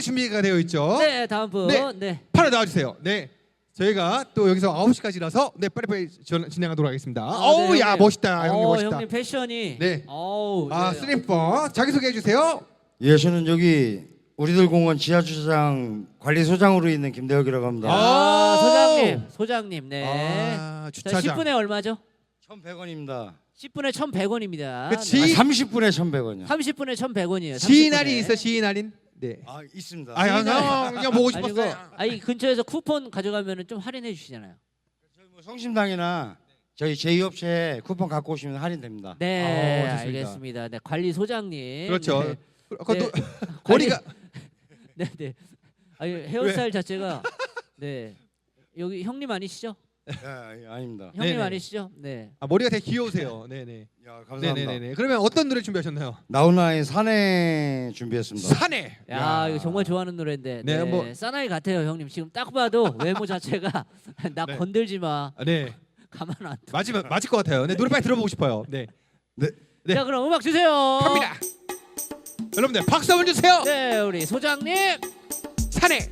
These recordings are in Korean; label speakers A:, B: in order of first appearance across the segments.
A: 분이 준비가 되어 있죠.
B: 네, 다음 분.
A: 네.
B: 네.
A: 바로 나와주세요. 네. 저희가 또 여기서 9시까지라서 네 빨리빨리 진행하도록 하겠습니다. 어우
B: 네,
A: 야
B: 형님.
A: 멋있다. 형님 멋있다.
B: 형님 패션이.
A: 네.
B: 어우.
A: 아
B: 네.
A: 스림퍼 자기소개해 주세요.
C: 예, 저는 여기 우리들 공원 지하주차장 관리소장으로 있는 김대혁이라고 합니다.
B: 소장님. 네.
A: 아,
B: 자,
A: 주차장.
B: 10분에 얼마죠?
C: 1,100원입니다.
B: 10분에 1,100원입니다.
A: 그치.
C: 30분에 1,100원이요.
B: 30분에 1,100원이에요.
A: 지인 할인 있어 지인 할인. 네.
C: 아, 있습니다.
A: 그냥 보고 싶었어요.
B: 아니 근처에서 쿠폰 가져가면은 좀 할인해 주시잖아요.
C: 저희 뭐 성심당이나 저희 제2업체 쿠폰 갖고 오시면 할인됩니다.
B: 네,
A: 좋습니다.
B: 알겠습니다. 네, 관리소장님.
A: 그렇죠.
B: 네.
A: 그것도
B: 네.
A: 머리가
B: 네, 네. 아니 헤어스타일 자체가 네. 여기 형님 아니시죠?
C: 예, 아닙니다.
B: 형님
A: 네네.
B: 아니시죠? 네.
A: 아, 머리가 되게 귀여우세요. 네네.
C: 야, 감사합니다.
A: 네네네. 그러면 어떤 노래 준비하셨나요?
C: 나훈아의 사내 준비했습니다.
A: 사내.
B: 야, 이거 정말 좋아하는 노래인데.
A: 네,
B: 네,
A: 뭐-
B: 사나이 같아요, 형님. 지금 딱 봐도 외모 자체가 나
A: 네.
B: 건들지 마.
A: 아, 네.
B: 가만 안 둬.
A: 맞을 것 같아요. 네, 노래 빨리 들어보고 싶어요. 네. 네.
B: 자, 그럼 음악 주세요.
A: 갑니다. 여러분들 박수 한번 주세요.
B: 네, 우리 소장님.
A: 사내.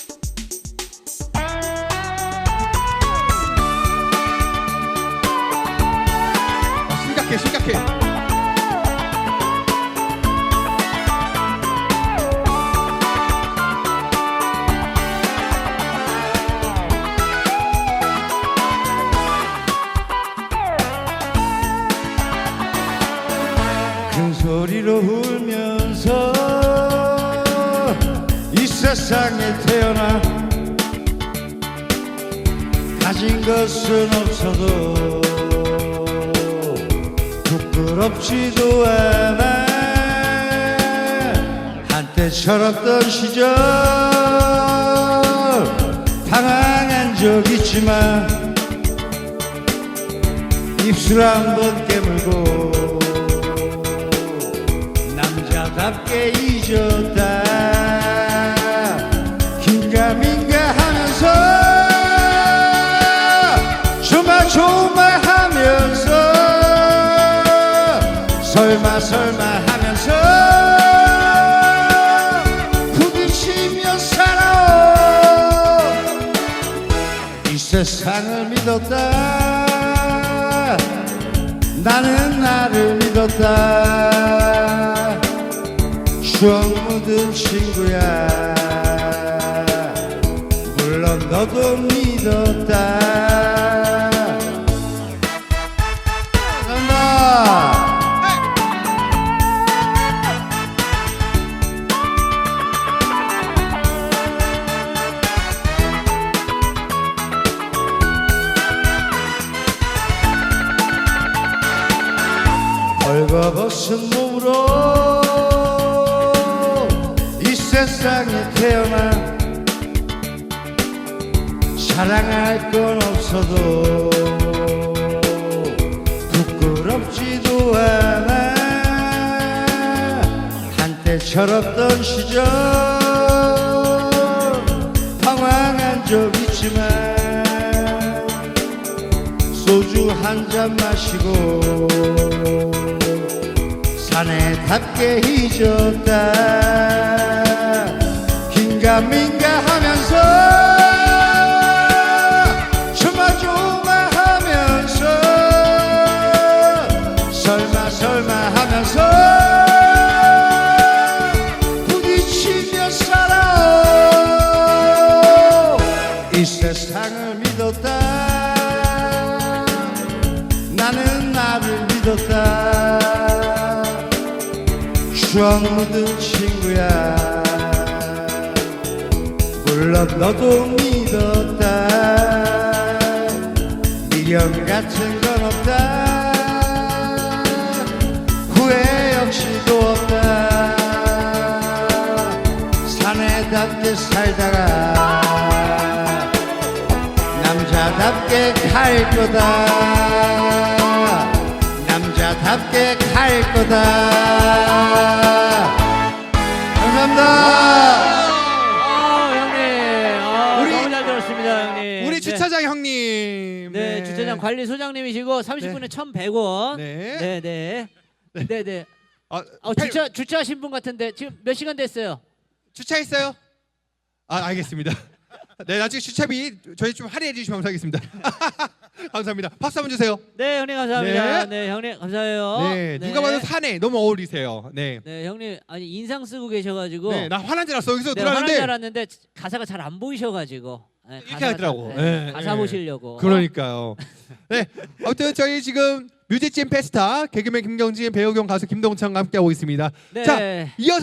A: 심각해.
C: 큰 소리로 울면서 이 세상에 태어나 가진 것은 없어도 부끄럽지도 않아. 한때 철없던 시절 당황한 적 있지만 입술 한번 깨물고 남자답게 잊었다. 긴가민가 하면서 조마조마 하면서 설마 하면서 부딪히며 살아. 이 세상을 믿었다. 나는 나를 믿었다. 추억 묻은 친구야. 물론 너도 믿었다. 감사합니다. 벌거벗은 몸으로 이 세상에 태어나 사랑할 건 없어도 부끄럽지도 않아. 한때 철없던 시절 방황한 적 있지만 소주 한 잔 마시고 사내답게 잊었다. 긴가민가 하면서 조마조마 하면서 설마 하면서 부딪히며 살아. 이 세상을 믿었다. 나는 나를 믿었다. 추억 묻은 친구야. 물론 너도 믿었다. 미련 같은 건 없다. 후회 역시도 없다. 사내답게 살다가 남자답게 갈 거다. 남자답게 갈 거다. 감사합니다.
B: 형님. 너무 잘 들었습니다, 형님.
A: 우리
B: 네.
A: 주차장 형님.
B: 네, 주차장 관리소장님이시고 30분에 1,100원.
A: 네.
B: 네.
A: 아,
B: 주차하신 분 같은데 지금 몇 시간 됐어요?
A: 주차했어요? 아 알겠습니다. 네 나중에 주차비 저희 좀 할인해 주시면 감사하겠습니다. 감사합니다. 박수 한번 주세요.
B: 네 형님 감사합니다.
A: 네.
B: 네, 형님 감사해요.
A: 네 누가 봐도 사내 너무 어울리세요. 네.
B: 네 형님 아니 인상 쓰고 계셔가지고
A: 네, 나 화난 줄 알았어. 여기서
B: 네, 화난 줄
A: 들었는데
B: 알았는데 가사가 잘 안 보이셔가지고 네,
A: 이렇게 하더라고.
B: 네,
A: 네,
B: 가사
A: 네.
B: 보시려고.
A: 그러니까요. 네, 아무튼 저희 지금 뮤직진 페스타 개그맨 김경진, 배우경 가수 김동찬과 함께하고 있습니다.
B: 네.
A: 자, 이어서